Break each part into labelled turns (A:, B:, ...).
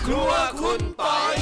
A: ครัวคุณปอย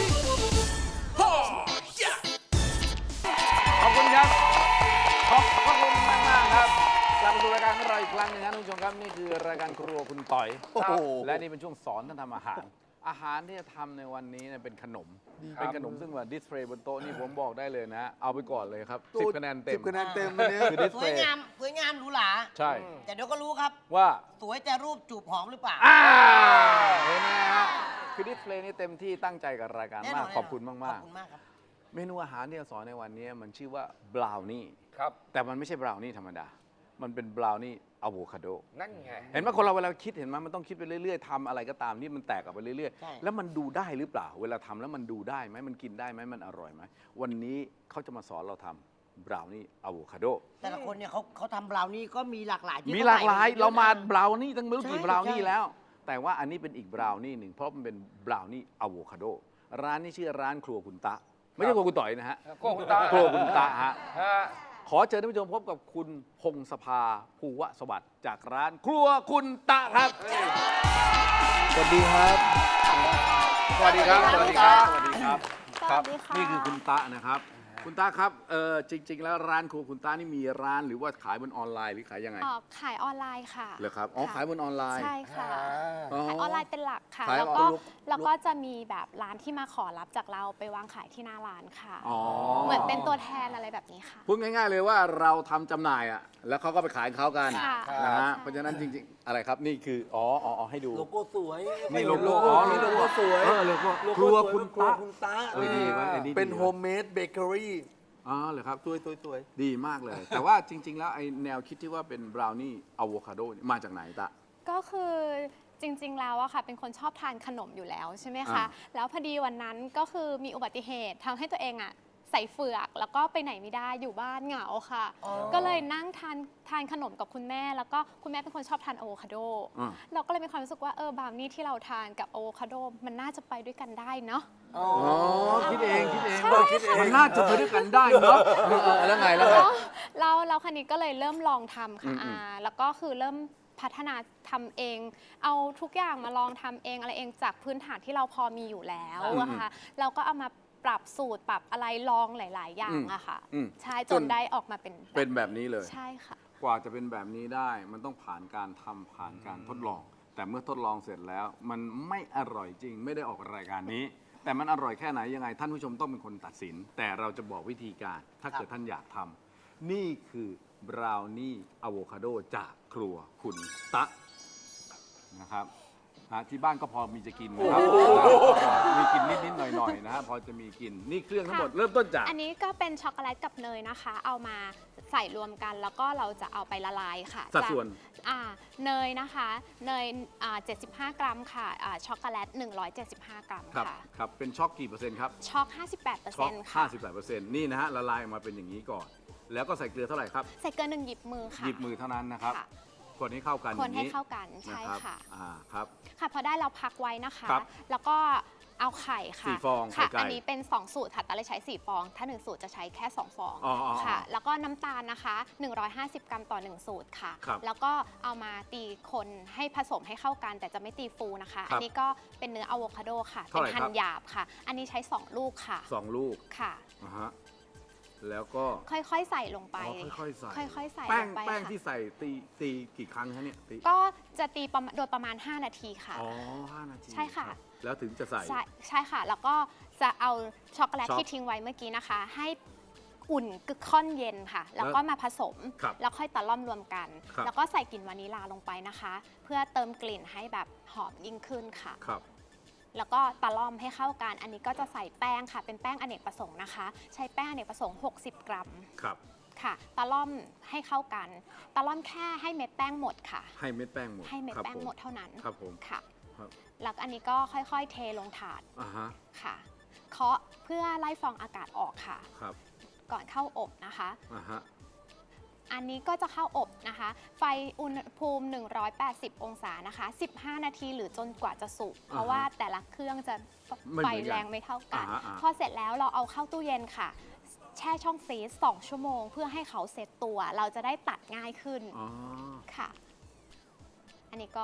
A: ขอบคุณครับขอบพระคุณมากๆครับกลับมาสู่รายการของเราอีกครั้งหนึงครับท่านผู้ชมครับนี่คือรายการครัวคุณต่อยและนี่เป็นช่วงสอนท่านทำอาหารที่จะทำในวันนี้เนี่ยเป็นขนมซึ่งว่าดิสเพลย์บนโต๊ะนี่ผมบอกได้เลยนะเอาไปก่อนเลยครับ10 คะแนนเต็ม
B: 10 คะแนนเต็มวันนี้
A: คือดิส
C: ส
A: เพ
C: ว
A: ล
C: ย
A: ย์
C: งามสวยงามหรูหรา
A: ใช่
C: แต่เดี๋ยวก็รู้ครับ
A: ว่า
C: สวยจะรูปจูบหอมหรือเปล่า
A: เห็นไหมฮะคือดิสเพลย์นี่เต็มที่ตั้งใจกับรายการ
C: แน่น
A: มา
C: อก น
A: ขอบคุณ
C: ข
A: มา
C: อก บคุณมากครับ
A: ๆเมนูอาหารที่จะสอนในวันนี้มันชื่อว่าบราวนี่
D: ครับ
A: แต่มันไม่ใช่บราวนี่ธรรมดามันเป็นบราวนี่อะโวคาโด
D: นั่นไง
A: เห็นไหมคนเราเวลาคิดเห็นไหมมันต้องคิดไปเรื่อยๆทำอะไรก็ตามที่มันแตกออกไปเรื่อย
C: ใช่
A: ๆแล้วมันดูได้หรือเปล่า เวลาทำแล้วมันดูได้ไหมมันกินได้ไหมมันอร่อยไหมวันนี้เขาจะมาสอนเราทำบราวนี่อะโวคาโด
C: แต่ละคนเนี่ยเขาทำบราวนี่ก็มีหลากหลายที่
A: มีหลากหลาย
C: ขใส่
A: เรามา
C: ยอะนะ
A: บราวนี่ตั้งไม่รู้กี่
C: ใช่
A: บราวนี่
C: ใช่
A: แล้ว แต่ว่าอันนี้เป็นอีกบราวนี่หนึ่งเพราะมันเป็นบราวนี่อะโวคาโดร้านนี้ชื่อร้านครัวคุณตะไม่ใช่ครัวคุณต่อยนะฮะ
D: โก้คุณตา
A: ครัวคุณตะฮะ
D: ฮะ
A: ขอเชิญท่านผู้ชมพบกับคุณพงศภาภูวสวัสดิ์จากร้านครัวคุณตะครับ
B: สวัสดีครับ
A: สวัสดีครับ สวัสดีครับ สวัสดีครับ
E: สวัสดีค่ะ
A: นี่คือคุณตะนะครับ คุณตะครับจริง ๆ แล้วร้านครัวคุณตะนี่มีร้านหรือว่าขายบนออนไลน์หรือขายยังไง
E: ขายออนไลน์ค่ะ
A: เหรอครับอ๋อ
E: ค่ะ
A: ขายบนออนไลน์
E: ใช่ค่ะ
A: อ๋อ
E: ขายออนไลน์เป็นหลักค่ะ
A: ขาย
E: แล้วก็
A: ลุก
E: แล้วก็จะมีแบบร้านที่มาขอรับจากเราไปวางขายที่หน้าร้านค่ะ
A: อ๋อ
E: เหมือนเป็นตัวแทนอะไรแบบนี้ค่ะ
A: พูดง่าย ๆ เลยว่าเราทำจำหน่ายอ่ะแล้วเขาก็ไปขายของเขากัน
E: ค่ะ
A: นะฮะ
E: ใช่
A: เพราะฉะนั้นจริง ๆ อะไรครับนี่คืออ๋อให้ดู
B: โลโก้สวย
A: นี่โลโก้
B: นี่โลโก้สวย
A: โลโก้
B: โล
A: ค
B: โก้
A: รัว
B: สวย
A: คุณ
B: ครัว
A: ตะ
B: คุณตา
A: ดีไหมอันนี้ดี
B: เป็นโฮมเมดเบเกอรี่
A: อ๋อเหรอครับ
B: สวย
A: ดีมากเลย แต่ว่าจริง ๆ แล้วไอ้แนวคิดที่ว่าเป็นบราวนี่อะโวคาโดมาจากไหนตะ
E: ก็คือจริงๆแล้วอะค่ะเป็นคนชอบทานขนมอยู่แล้วใช่ไหมคะ
A: อ่า
E: แล้วพอดีวันนั้นก็คือมีอุบัติเหตุทำให้ตัวเองอะใส่เฟือกแล้วก็ไปไหนไม่ได้อยู่บ้านเหงาค่ะ
C: อ๋อ
E: ก็เลยนั่งทานขนมกับคุณแม่ แล้วก็คุณแม่เป็นคนชอบทานอะโวคาโด
A: อ่า
E: เราก็เลยมีความรู้สึกว่าบราวนี่ที่เราทานกับอะโวคาโดมันน่าจะไปด้วยกันได้เนาะ
B: อ๋อ
A: อ๋อคิดเองคิดเอง
E: ใช่ค่ะ
A: มันน่าจะไปด้วยกันได้เนาะแล้วไง
E: เราคันนี้ก็เลยเริ่มลองทำค่ะ
A: อืม
E: แล้วก็คือเริ่มพัฒนาทำเอง เอาทุกอย่างมาลองทำเองอะไรเองจากพื้นฐานที่เราพอมีอยู่แล้วอะค่ะเราก็เอามาปรับสูตรปรับอะไรลองหลาย ๆ อย่างอะค่ะ ใช่จนได้ออกมาเป็น
A: เป็นแบบนี้เลย
E: ใช่ค่ะ
A: กว่าจะเป็นแบบนี้ได้มันต้องผ่านการทำผ่านการทดลอง แต่เมื่อทดลองเสร็จแล้ว มันไม่อร่อยจริงไม่ได้ออกรายการนี้ แต่มันอร่อยแค่ไหนยังไง ท่านผู้ชมต้องเป็นคนตัดสิน แต่เราจะบอกวิธีการ ถ้าเกิดท่านอยากทำนี่คือบราวนี่อะโวคาโดจากครัวคุณตะนะครับที่บ้านก็พอมีจะกินนะครับมีกินนิดๆหน่อยๆนะฮะพอจะมีกินนี่เครื่องทั้งหมดเริ่มต้นจาก
E: อันนี้ก็เป็นช็อกโกแลตกับเนยนะคะ เอามาใส่รวมกันแล้วก็เราจะเอาไปละลายค่ะ
A: สัดส่วน
E: เนยนะคะเนย75 กรัมค่ะช็อกโกแลต175 กรัม
A: ครับ
E: ค่ะ
A: ครับเป็นช็อกกี่เปอร์เซ็นต์ครับ
E: ช็อก
A: ช็อก
E: 58%ค่ะ
A: 58%นี่นะฮะละลายออกมาเป็นอย่างนี้ก่อน แล้วก็ใส่เกลือเท่าไหร่ครับ
E: ใส่เกลือ1 หยิบมือค่ะ
A: หยิบมือเท่านั้นนะครับ
E: ค่ะ
A: คนให้เข้ากัน
E: คนให้
A: อย่ง
E: เข้ากันใช่
A: รับ
E: ค่ะ
A: ครับ
E: ค่ะพอได้เราพักไว้นะคะ
A: ครับ
E: แล้วก็เอาไข่ค่ะ
A: 4 ฟอง
E: ค่ะ
A: ไข่ไก่
E: อันนี้เป็น 2 สูตรค่ะแต่เลยใช้ 4 ฟอง ถ้า 1 สูตรจะใช้แค่ 2 ฟอง
A: อ๋อ
E: ค่ะ แล้วก็น้ำตาลนะคะ 150 กรัมต่อ 1 สูตรค่ะ
A: ครับ
E: แล้วก็เอามาตีคนให้ผสมให้เข้ากัน แต่จะไม่ตีฟูนะคะ
A: ครับ
E: อันนี้ก็เป็นเนื้ออะโวคาโดค่ะ
A: เท่า
E: เป็น
A: ไหร่
E: หั่
A: ครั
E: น
A: บ
E: หยาบค่ะ อันนี้ใช้ 2 ลูกค่ะ
A: 2 ลูก
E: ค่ะ
A: นะฮะแล้วก็
E: ค่อยๆ ใส่ลงไป
A: ค่อยๆใส่
E: ค่อยๆ ใส่
A: แป้
E: ล
A: ง
E: งไป
A: แป้ง
E: ค่ะ
A: ที่ใส่ตีกี่ครั้งคะเนี่ยตี
E: ก็จะตีโดยประมาณ 5 นาทีค่ะ
A: อ๋อ5 นาที
E: ใช่ค่ะ
A: รับแล้วถึงจะใส่
E: ใช่ค่ะ แล้วก็จะเอาช็อกโกแลต
A: ช็อก
E: ที่ทิ้งไว้เมื่อกี้นะคะ ให้อุ่นกึกค่อนเย็นค่ะ แล้วก็มาผสม
A: ครับ
E: แล้วค่อยตะล่อมรวมกัน
A: ครับ
E: แล้วก็ใส่กลิ่นวานิลาลงไปนะคะ เพื่อเติมกลิ่นให้แบบหอมยิ่งขึ้นค่ะ
A: ครับ
E: แล้วก็ตะล่อมให้เข้ากัน อันนี้ก็จะใส่แป้งค่ะ เป็นแป้งอเนกประสงค์นะคะ ใช้แป้งอเนกประสงค์ 60 กรัม
A: ครับ
E: ค่ะ ตะล่อมให้เข้ากัน ตะล่อมแค่ให้เม็ดแป้งหมดค่ะ
A: ให้เม็ดแป้งหมด
E: ให้เม็ด
A: ครับ
E: แป้ง
A: ผ
E: หมดเท่านั้น
A: ครับผม
E: ค่ะ
A: ครับ
E: แล้วอันนี้ก็ค่อยๆ เทลงถาด
A: อ่าฮะ
E: ค่ะ เคาะเพื่อไล่ฟองอากาศออกค่ะ
A: ครับ
E: ก่อนเข้าอบนะคะ
A: อ่าฮะ
E: อันนี้ก็จะเข้าอบนะคะ ไฟอุณหภูมิ 180 องศานะคะ 15 นาทีหรือจนกว่าจะสุก เพราะว่าแต่ละเครื่องจะ
A: ไม่
E: ไฟ
A: เหมือนกัน
E: แรงไม่เท่ากัน
A: อ่าฮะ
E: พอเสร็จแล้วเราเอาเข้าตู้เย็นค่ะ แช่ช่องฟรีซ 2 ชั่วโมง เพื่อให้เขาเซตตัว เราจะได้ตัดง่ายขึ้น
A: อ๋อ
E: ค่ะ อันนี้ก็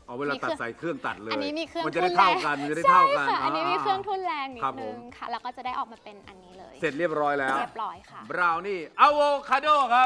A: เอาเวลาตัดใส่เครื่องตัดเลย
E: อันนี้มีเครื่อง
A: มันจะได้
E: ทุ่
A: เท่ากันมันจะได้เท่ากัน
E: ใช่ค่ะอันนี้มีเครื่องทุ่นแรงนิ
A: ครั
E: ด
A: บผ
E: นึ
A: ม
E: งค่ะ แล้วก็จะได้ออกมาเป็นอันนี้เลย
A: เสร็จเรียบร้อยแล้ว
E: เรียบร้อยค่ะ
A: บราวนี่อะโวคาโดครับ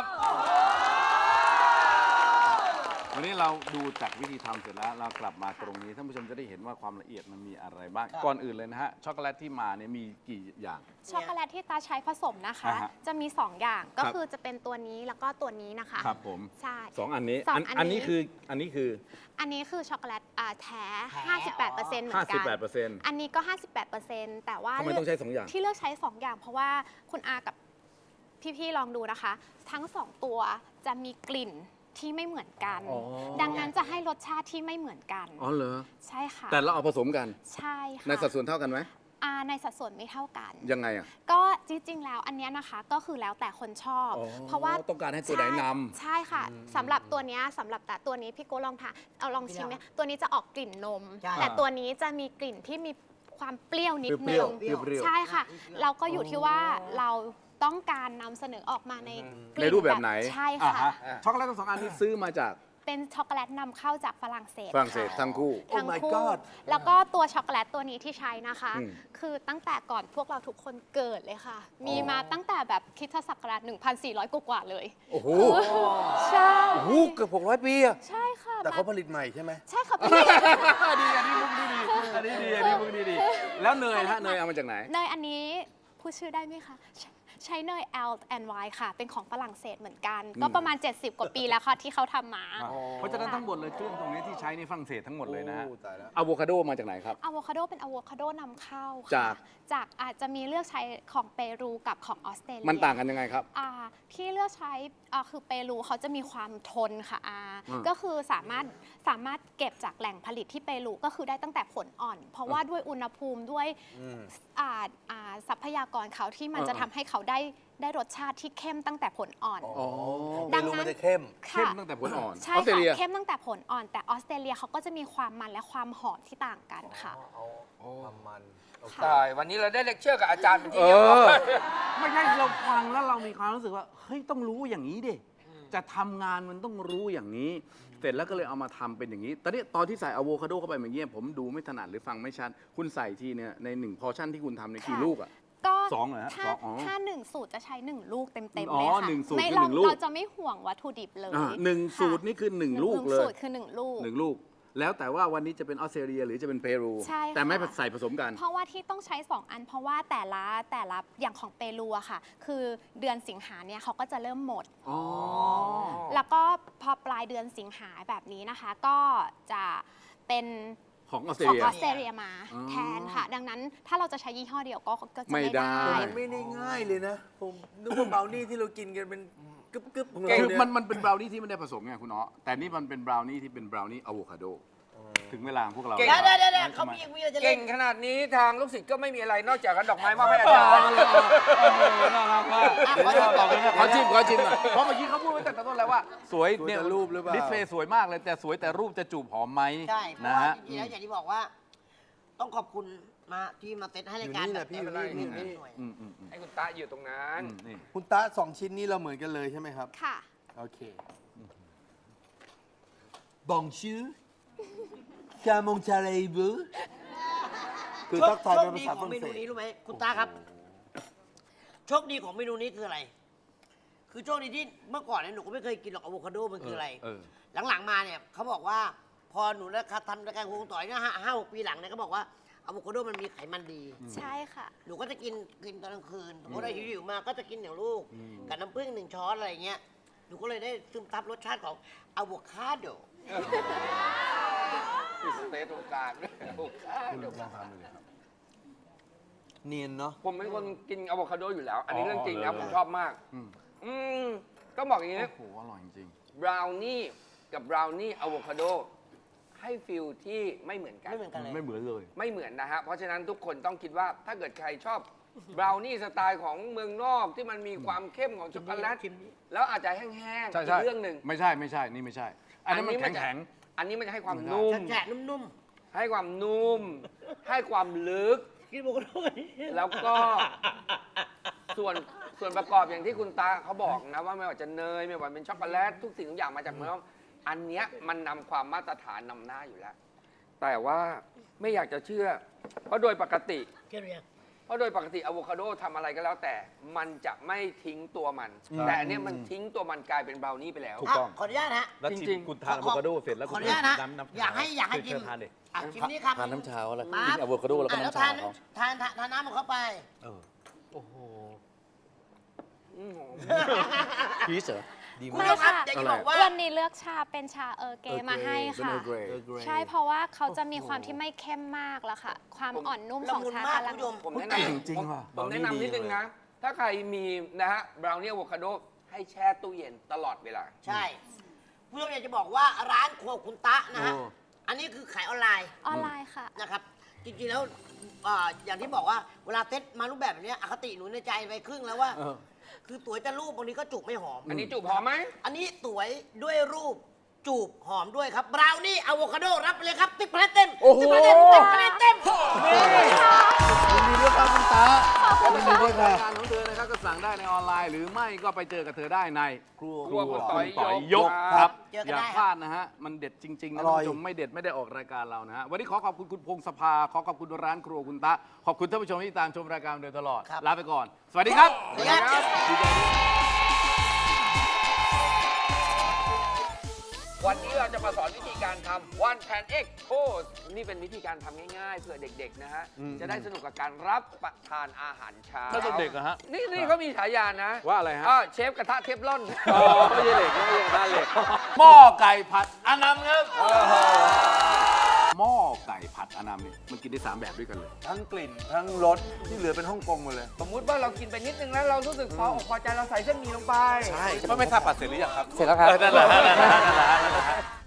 A: วันนี้เราดูจากวิธีทำเสร็จแล้ว เรากลับมาตรงนี้ท่านผู้ชมจะได้เห็นว่าความละเอียดมันมีอะไรบ้าง ก่อนอื่นเลยนะฮะ ช็อกโกแลตที่มาเนี่ยมีกี่อย่าง
E: ช็อกโกแลตที่ตาใช้ผสมนะคะ
A: อ่าฮะ
E: จะมี 2 อย่างก็
A: ครับ
E: คือจะเป็นตัวนี้แล้วก็ตัวนี้นะคะ
A: ครับผม
E: ใช่
A: สองอันนี้
E: สองอันนี้
A: อันนี้คือ
E: อันนี้คือช็อกโกแลตแท้
C: แท้
E: 58%เหมือนกัน
A: 58%
E: อันนี้ก็ 58%แต่ว่า
A: ทำไมต้องใช้สองอย่าง
E: ที่เลือกใช้ 2 อย่าง เพราะว่าคุณอากับพี่ๆลองดูนะคะ ทั้ง 2 ตัวจะมีกลิ่นที่ไม่เหมือนกัน
A: อ๋อ
E: ดังนั้นจะให้รสชาติที่ไม่เหมือนกัน
A: อ๋อเหรอ
E: ใช่ค่ะ
A: แต่เราเอาผสมกัน
E: ใช่ค่ะ
A: ในสัดส่วนเท่ากันไหม
E: ในสัดส่วนไม่เท่ากัน
A: ยังไงอ่ะ
E: ก็จริงๆแล้วอันเนี้ยนะคะก็คือแล้วแต่คนชอบ
A: อ๋อ
E: เพราะว่า
A: ต้องการให้ตัวไหนนำ
E: ใช่ค่ะสำหรับตัวเนี้ยสำหรับแต่ตัวนี้พี่โก้ลองทานเอาลองชิมไหมตัวนี้จะออกกลิ่นนม
C: ใช่
E: แต่ตัวนี้จะมีกลิ่นที่มีความเปรี้ยวนิด
A: เป
E: นึ
A: รี้ยว
E: ง
A: ๆเปรี้ยวๆ
E: ใช่ค่ะ เราก็อยู่ที่ว่าเราต้องการนำเสนอออกมาในก
A: ใน
E: ลิ่น
A: รูปแบบไหน
E: ใช่
A: อ่า
E: ค่ะ
A: ฮช็อกโกแลตทั้งสองอันนี้ซื้อมาจาก
E: เป็นช็อกโกแลตนำเข้าจากฝรั่งเศส
A: ฝรั่งเศส
E: ค่ะ
A: ทั้งคู่
B: Oh
E: ทั้ง
B: my
E: คู่
B: god
E: แล้วก็ตัวช็อกโกแลตตัวนี้ที่ใช้นะคะ
A: อืม
E: คือตั้งแต่ก่อนพวกเราทุกคนเกิดเลยค่ะ มีมาตั้งแต่แบบคริสตศักราช 1,400 กว่าๆเลย
B: โอ้โห
E: ใช่
B: โอ้โหเกือบ600 ปีอะ
E: ใช่ค่ะ
B: แต่เขาผลิตใหม่ใช่ไหม
E: ใช่ค่ะพี่
A: ดีอันนี้มุกดีอันนี้ดีอันนี้มุกดีแล้วเนยฮะเนยเอามาจากไหน
E: เนยอันนี้พูดชื่อได้ไหมคะใช้เนย L&Y ค่ะ เป็นของฝรั่งเศสเหมือนกัน ก็ประมาณ 70 กว่าปีแล้วค่ะที่เขาทำมา
A: เพราะฉะนั้นทั้งหมดเลยเครื่องตรงนี้ที่ใช้ในฝรั่งเศสทั้งหมดเลยนะฮะ
B: โอ้ตายแล้ว
A: อะโวคาโดมาจากไหนครับ
E: อะโวคาโดเป็นอะโวคาโดนำเข้า
A: จาก
E: ค่ะจากอาจจะมีเลือกใช้ของเปรูกับของออสเตรเลีย
A: มันต่างกันยังไงครับ
E: ที่เลือกใช้คือเปรูเขาจะมีความทนค่ะ
A: อืม
E: ก็คือสามารถเก็บจากแหล่งผลิตที่เปรูก็คือได้ตั้งแต่ผลอ่อน เพราะว่าด้วยอุณหภูมิด้วยทรัพยากรเขาที่มันจะทำให้เขาได้รสชาติที่เข้มตั้งแต่ผลอ่อน
A: อ๋อ
E: ดั
B: ไม่
E: งนั้น
B: รู้มันจะเข้ม
A: เข้มตั้งแต่ผลอ่อน
E: ใช่
A: ออสเตร
E: ค่ะ
A: เลีย
E: เข้มตั้งแต่ผลอ่อน แต่ออสเตรเลียเขาก็จะมีความมันและความหอมที่ต่างกันค่ะ
B: เอาความมัน
D: ใช่วันนี้เราได้เลคเชอร์กับอาจารย์เป็นที่
A: เอ
D: เรียบร้อ
A: อย ไม่ใช่เราฟังแล้วเรามีความรู้สึกว่าเฮ้ยต้องรู้อย่างนี้ดิจะทำงานมันต้องรู้อย่างนี้ เสร็จแล้วก็เลยเอามาทำเป็นอย่างนี้ตอนนี้ตอนที่ใส่อะโวคาโดเข้าไปเมื่อกี้ผมดูไม่ถนัดหรือฟังไม่ชัดคุณใส่ทีเนี่ยใน1พอชั่นที่คุณทำในยกี่
E: ค่ะ
A: ลูกอ่ะ
E: ก็
A: สองเหรอฮะ
E: ถ้า
A: สองอ๋อ
E: ถ้า1 สูตรจะใช้ 1 ลูกเต็ม
A: อ๋
E: ๆ
A: อ
E: เลยค่ะ
A: หนึ่งสูตร
E: ไม่
A: คือ
E: เรา
A: หนึ่งลูก
E: เราจะไม่ห่วงวัตถุดิบเลย
A: หนึ่ง
E: ค่ะ
A: สูตรนี่คือ1 ลูกเล
E: สู
A: ย
E: ตรคือ 1 ลูก
A: 1 ลูก แล้วแต่ว่าวันนี้จะเป็นออสเตรเลียหรือจะเป็นเปรู
E: ใช่ค่ะ
A: แต่ไม่ใส่ผสมกัน
E: เพราะว่าที่ต้องใช้ 2 อัน เพราะว่าแต่ละอย่างของเปรูอะค่ะ คือเดือนสิงหาเนี่ยเขาก็จะเริ่มหมด
A: อ๋อ
E: แล้วก็พอปลายเดือนสิงหาแบบนี้นะคะ ก็จะเป็น
A: ของออสเตร
E: ของ
A: เลีย
E: ออสเตรเลียมา
A: อ๋อ
E: แทนค่ะ ดังนั้นถ้าเราจะใช้ยี่ห้อเดียวก็จะ
A: ไม่
E: ไม่
A: ได้
E: ได้
B: มันไม่ได้ง่ายเลยนะ ผมนึกว่าเบลนี่ที่เรากินกันเป็นกึบๆของเรา
A: คือ
B: เนี่ย
A: มันเป็นบราวนี่ที่ไม่ได้ผสมไงคุณเนาะแต่นี่มันเป็นบราวนี่ที่เป็นบราวนี่อะโวคาโดถึงเวลาของพวกเรา
D: เก่ง
C: เดี๋ยวเขามีอะไรจะเล่
D: เก่
C: น
D: งขนาดนี้ทางลูกศิษย์ก็ไม่มีอะไรนอกจากดอกไม้มอบให้อาจารย์
A: น่ารักมากขอชิมหน่อยเพราะเมื่อกี้เขาพูดไว้แต่ต้นแล้วว่า สวยเนี่ย
B: แต่รูปหรือเปล่า
A: ดิสเพลย์สวยมากเลยแต่สวยแต่รูปจะจูบหอมไหม
C: ใช่เพราะ
A: นะ
C: ว่า
A: ฮะ
C: จริงๆแล้วอย่างที่บอกว่า ต้องขอบคุณมาที่มาเซตให้รายการ
B: อยู่นี่แหละพี่
C: แบบ
B: อยู่นี่
C: หน่อย
A: อืมอืม
D: ให้คุณตาอยู่ตรงนั้น
A: นี่
B: คุณตา2 ชิ้นนี้เราเหมือนกันเลยใช่ไหมครับ
E: ค่ะ
B: โอเคบองชื่อกามงชาเลบูคือทักทายเป็นภาษาฝ
C: โชค
B: รั่
C: ดี
B: ง
C: ของเม
B: เศ
C: นู
B: ส
C: นี้รู้ไหมคุณตาครับ โชคดีของเมนูนี้คืออะไร คือโชคดีที่เมื่อก่อนเนี่ยหนูก็ไม่เคยกินหรอกอะโวคาโดมันคืออะไร
A: เออ
C: หลังๆมาเนี่ยเขาบอกว่า พอหนูได้ทำรายการคงต่อยเนี่ย5-6 ปีหลังเนี่ยเขาบอกว่าอะโวคาโดมันมีไขมันดี
E: ใช่ค่ะ
C: หนูก็จะกินตอนกลางคืนสมมติว่าหิวๆมาก็จะกินอย่างลูก กับน้ำผึ้ง1 ช้อนอะไรเงี้ย หนูก็เลยได้ซึมซับรสชาติของอะโวคาโด
D: มีสเตตตรงกลางด้วย
B: คุณลองทำดูเลยครับ เนียนเนาะ
D: ผมเป็นคนกินอะโวคาโดอยู่แล้ว อันนี้
A: อ๋อ
D: เรื่องจริงนะ
A: เลย
D: ผมชอบมาก
A: อืม
D: อืมต้องบอกอย่างนี้
A: โอ้โหอร่อยจริง
D: บราวนี่กับบราวนี่อะโวคาโดให้ฟิลที่ไม่เหมือนกัน
C: ไม่เหมือนกันเลย
A: ไม่เหมือนเลย
D: ไม่เหมือนนะฮะ เพราะฉะนั้นทุกคนต้องคิดว่าถ้าเกิดใครชอบบราวนี่สไตล์ของเมืองนอกที่มันมีความเข้มของช็อกโกแลต
C: ชิมดิ
D: แล้วอาจจะแห้งๆ
A: ใช่
D: อี
A: ใช่
D: กเรื่องหนึ่ง
A: ไม่ใช่นี่ไม่ใช่ อันนี้มันแข็ง
D: อันนี้มันจะให้ความ
A: ไม่ได้
D: นุ่ม
C: แฉะๆนุ่ม
D: ให้ความนุ่ม ให้ความลึก
C: ๆกินโวคาโดกันนี่
D: แล้วก็ ส่วนประกอบอย่างที่คุณตาเขาบอกนะว่าไม่ว่าจะเนยไม่ว่าเป็นช็อกโกแลตทุกสิ่งทุกอย่างมาจากเมืองนอกอันเนี้ยมันนำความมาตรฐานนำหน้าอยู่แล้ว แต่ว่าไม่อยากจะเชื่อ เพราะโดยปกติ
C: เชื่อหรือยัง
D: เพราะโดยปกติอะโวคาโดทำอะไรก็แล้วแต่ มันจะไม่ทิ้งตัวมัน แต่อันเนี้ยมันทิ้งตัวมันกลายเป็นบราวนี่ไปแล้ว
B: ถูกต้อง
C: ขออนุญาตฮะ
B: แล้วชิ
D: จริ
B: ม
D: งๆ
B: คุณทานอะโวคาโดเสร็จแล้ว
C: ข
B: คุ
C: อ
B: ณ
C: อนุญาตนะ
B: น้ำ
C: อยากให้ชิม
B: เชิญทานเลย
C: อ่ะชิมนี่ครับ
B: ทานน้ำชาเขาแล้ว
C: ปั๊บ
B: กินอะโวคาโดแล้วก็
C: อ่ะ
B: น้ำชาเขา
C: ทานน้ำของเขาไป
B: เออโอ้โห
D: อืม
B: พีชเหรอดี
C: คุณ
B: มา
C: ผู้ช
B: ก
C: มครับอยากจะบอกว่า
E: วันนี้เลือกชาเป็นชาเออร์เกย์มาให้ค่ะ
A: เป็น Earl Grey
E: ใช่เพราะว่าเขาจะมีความที่ไม่เข้มมากแล้วค่ะ ความอ่อนนุ่มของชา
C: ละมุนมาก
E: กำลัง
C: คุณผู้ชม
D: ผมแนะ
B: เก่ง
D: นำ
B: จริงว่ะ
D: ผมแนะนำนิดนึงนะ ถ้าใครมีนะฮะบราวนี่อะโวคาโดให้แช่ตู้เย็นตลอดเวลา
C: ใช่คุณผู้ชมอยากจะบอกว่าร้านครัวคุณตะนะฮะ
A: โอ้
C: อันนี้คือขายออนไลน์
E: ออนไลน์ค่ะ
C: นะครับ จริงๆแล้วอย่างที่บอกว่าเวลาเซ็ตมารูปแบบแบบเนี้ยอคติหนูในใจไปครึ่งแล้วว่า
B: เออ
C: คือสวยแต่รูปบางทีก็จูบไม่หอม
D: อันนี้จูบหอมไหม
C: อันนี้สวยด้วยรูปจูบหอมด้วยครับบราวนี่อะโวคาโดรับไปเลยครับ10คะแนนเต็ม
B: โอ้โห
C: 10คะแนนเต็ม10คะแนนเต็ม
B: ยินดีด้วยครับคุณตายินดีด้วยค่ะ
A: รายการของเธอนะครับก็สั่งได้ในออนไลน์ หรือไม่ก็ไปเจอกับเธอได้ใน
B: ครัว
D: ครัวคุณต่อย
A: ยก
D: ค
A: ค
D: รั
A: รับ บ
C: เจอกัน
A: อย่า
C: ได้
A: พลาดนะฮะ มันเด็ดจริง ๆ นะ
B: อ
A: ท่าน
B: ร่อย
A: ผู้ชมไม่เด็ดไม่ได้ออกรายการเรานะฮะ วันนี้ขอขอบคุณคุณพงศภา ขอขอบคุณร้านครัวคุณตะ ขอบคุณท่านผู้ชมที่ตามชมรายการโดยตลอด
C: ครับ
A: ลาไปก่อน สวัสดีครับ
C: สวัสดีครับ
D: วันนี้เราจะมาสอนวิธีการทำ One Pan Egg Toast นี่เป็นวิธีการทำง่ายๆเพื่อเด็กๆนะฮะ จะได้สนุกกับการรับประทานอาหารเช้า
A: ถ้าเด็กๆอะฮะ
D: นี่เขามีฉายานะ
A: ว่าอะไรฮะ
D: เชฟกระทะเทฟลอน
A: อ๋อไม่ใช่เหล็กไม่ใช่กระทะเหล็ก หม้อไก่ผัดอานัมครับหม้อไก่ผัดอานัมเนี่ยมันกินได้3แบบด้วยกันเลย
B: ทั้งกลิ่น ทั้งรสที่เหลือเป็นฮ่องกงหมดเลย
D: สมมุติว่าเรากินไปนิดนึงแล้วเรารู้สึกพออกพอใจเราใส่เส้นหมี่ลงไป
B: ใช่ไม่ทราบผัดเสร็จหรือยังครับ
F: เสร็จแล้วครับ
B: นั่นแหละ